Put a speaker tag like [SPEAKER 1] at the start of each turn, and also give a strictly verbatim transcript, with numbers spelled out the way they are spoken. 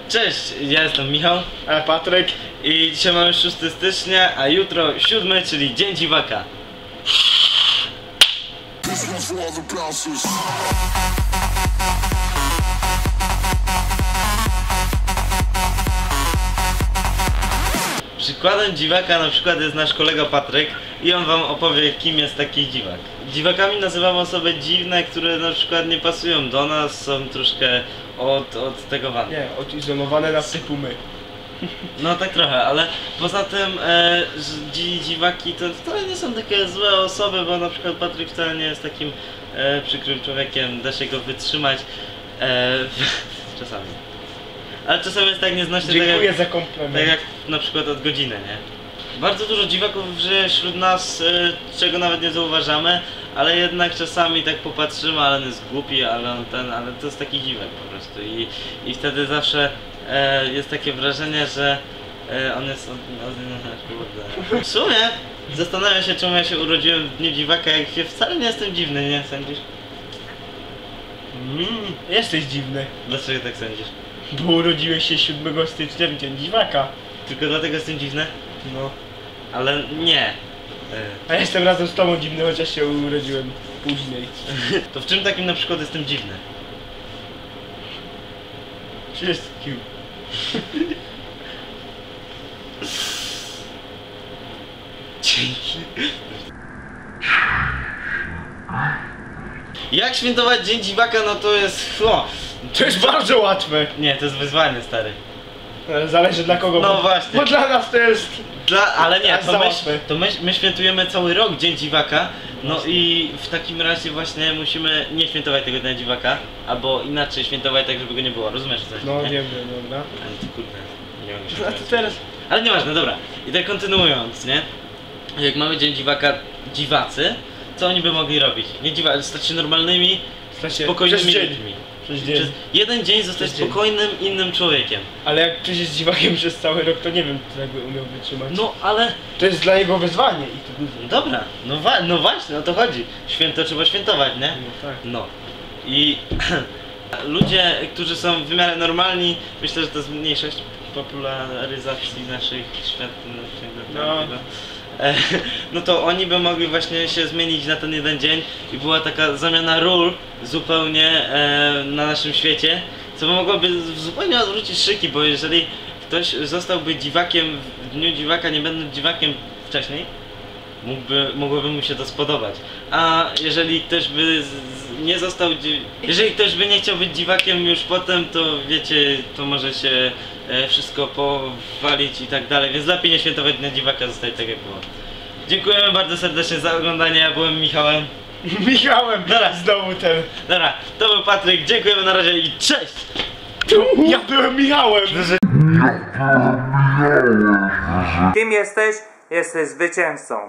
[SPEAKER 1] Cześć, ja jestem Michał,
[SPEAKER 2] a Patryk
[SPEAKER 1] i dzisiaj mamy szóstego stycznia, a jutro siódmy, czyli Dzień Dziwaka. Przykładem dziwaka na przykład jest nasz kolega Patryk i on wam opowie, kim jest taki dziwak. Dziwakami nazywamy osoby dziwne, które na przykład nie pasują do nas, są troszkę od, odtegowane.
[SPEAKER 2] Nie, odizolowane na typu my.
[SPEAKER 1] No tak trochę, ale poza tym e, dzi, dziwaki to wcale nie są takie złe osoby, bo na przykład Patryk wcale nie jest takim e, przykrym człowiekiem, da się go wytrzymać e, czasami. Ale czasami jest tak nieznośny.
[SPEAKER 2] Dziękuję
[SPEAKER 1] tak jak,
[SPEAKER 2] za komplement.
[SPEAKER 1] Tak jak na przykład od godziny, nie? Bardzo dużo dziwaków żyje wśród nas, e, czego nawet nie zauważamy, ale jednak czasami tak popatrzymy, ale on jest głupi, ale on ten, ale to jest taki dziwak po prostu i, i wtedy zawsze e, jest takie wrażenie, że e, on jest od, od, w sumie zastanawiam się, czemu ja się urodziłem w dniu dziwaka, jak się wcale nie jestem dziwny, nie sądzisz?
[SPEAKER 2] Mm, jesteś dziwny.
[SPEAKER 1] Dlaczego tak sądzisz?
[SPEAKER 2] Bo urodziłeś się siódmego stycznia w dzień dziwaka.
[SPEAKER 1] Tylko dlatego jestem dziwny?
[SPEAKER 2] No.
[SPEAKER 1] Ale nie.
[SPEAKER 2] A ja jestem razem z tobą dziwny, chociaż się urodziłem później.
[SPEAKER 1] To w czym takim na przykład jestem dziwny?
[SPEAKER 2] Wszystkim.
[SPEAKER 1] Dzięki. Jak świętować Dzień Dziwaka, no to jest... O,
[SPEAKER 2] To jest bardzo łatwe.
[SPEAKER 1] nie, to jest wyzwanie, stary.
[SPEAKER 2] Zależy dla kogo.
[SPEAKER 1] No
[SPEAKER 2] bo,
[SPEAKER 1] właśnie.
[SPEAKER 2] Bo dla nas to jest...
[SPEAKER 1] Dla, ale nie,
[SPEAKER 2] Tak,
[SPEAKER 1] to, my,
[SPEAKER 2] załatwmy.
[SPEAKER 1] to my, my świętujemy cały rok Dzień Dziwaka. No i w takim razie właśnie musimy nie świętować tego Dnia Dziwaka, albo inaczej świętować tak, żeby go nie było. Rozumiesz coś?
[SPEAKER 2] No
[SPEAKER 1] nie?
[SPEAKER 2] wiem, wiem, dobra.
[SPEAKER 1] Ale to kurde, nie mogę się
[SPEAKER 2] A to
[SPEAKER 1] dowiedzieć.
[SPEAKER 2] teraz...
[SPEAKER 1] Ale nieważne, dobra. I tak kontynuując, nie? Jak mamy Dzień Dziwaka, dziwacy, co oni by mogli robić? Nie dziwa, stać się normalnymi,
[SPEAKER 2] Słuchajcie,
[SPEAKER 1] spokojnymi
[SPEAKER 2] przez dzień.
[SPEAKER 1] ludźmi.
[SPEAKER 2] Przez dzień.
[SPEAKER 1] Przez jeden dzień zostać
[SPEAKER 2] Przez dzień.
[SPEAKER 1] spokojnym, innym człowiekiem.
[SPEAKER 2] Ale jak ktoś jest dziwakiem przez cały rok, to nie wiem, czy jakby umiał wytrzymać.
[SPEAKER 1] No ale...
[SPEAKER 2] To jest dla niego wyzwanie i to duże.
[SPEAKER 1] Dobra, no, wa no właśnie, o to chodzi. Święto trzeba świętować, nie?
[SPEAKER 2] No tak.
[SPEAKER 1] No. I ludzie, którzy są w miarę normalni, myślę, że to jest mniejszość popularyzacji naszych światów.
[SPEAKER 2] No.
[SPEAKER 1] E, no to oni by mogli właśnie się zmienić na ten jeden dzień i była taka zamiana ról zupełnie e, na naszym świecie, co mogłoby zupełnie odwrócić szyki, bo jeżeli ktoś zostałby dziwakiem w dniu dziwaka, nie będąc dziwakiem wcześniej, mógłby, mogłoby mu się to spodobać. A jeżeli ktoś by z, z, nie został, jeżeli ktoś by nie chciał być dziwakiem już potem, to wiecie, to może się e, wszystko powalić i tak dalej, więc lepiej nie świętować Dnia Dziwaka, zostać tak jak było. Dziękujemy bardzo serdecznie za oglądanie, ja byłem Michałem.
[SPEAKER 2] Michałem,
[SPEAKER 1] Dobra.
[SPEAKER 2] znowu ten.
[SPEAKER 1] Dobra, to był Patryk, dziękujemy na razie i cześć!
[SPEAKER 2] Ja byłem Michałem!
[SPEAKER 3] Kim jesteś? Jesteś zwycięzcą.